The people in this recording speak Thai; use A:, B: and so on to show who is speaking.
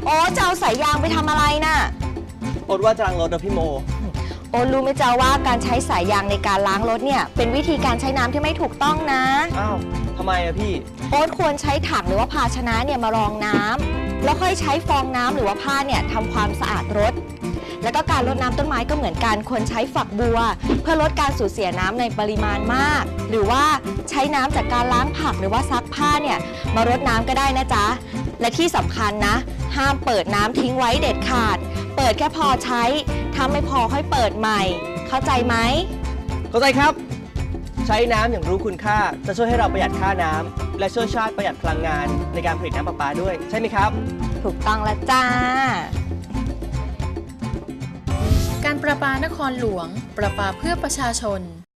A: อ้จะเอาสายยางไปทำอะไรน่ะ
B: โอ๊ตว่าจะล้างรถนะพี่โม
A: โอ้รู้ไหมจ๊ะว่าการใช้สายยางในการล้างรถเนี่ยเป็นวิธีการใช้น้ำที่ไม่ถูกต้องนะ
B: อ้าวทำไมอะพี่
A: โอ๊ตควรใช้ถังหรือว่าภาชนะเนี่ยมารองน้ำแล้วค่อยใช้ฟองน้ำหรือว่าผ้าเนี่ยทำความสะอาดรถแล้วก็การรดน้ำต้นไม้ก็เหมือนกันควรใช้ฝักบัวเพื่อลดการสูญเสียน้ำในปริมาณมากหรือว่าใช้น้ำจากการล้างผักหรือว่าซักผ้าเนี่ยมารดน้ำก็ได้นะจ๊ะและที่สำคัญนะห้ามเปิดน้ำทิ้งไว้เด็ดขาดเปิดแค่พอใช้ถ้าไม่พอค่อยเปิดใหม่เข้าใจไหม
B: เข้าใจครับใช้น้ำอย่างรู้คุณค่าจะช่วยให้เราประหยัดค่าน้ำและช่วยชาติประหยัดพลังงานในการผลิตน้ำประปาด้วยใช่ไหมครับ
A: ถูกต้องแล้วจ้า
C: การประปานครหลวงประปาเพื่อประชาชน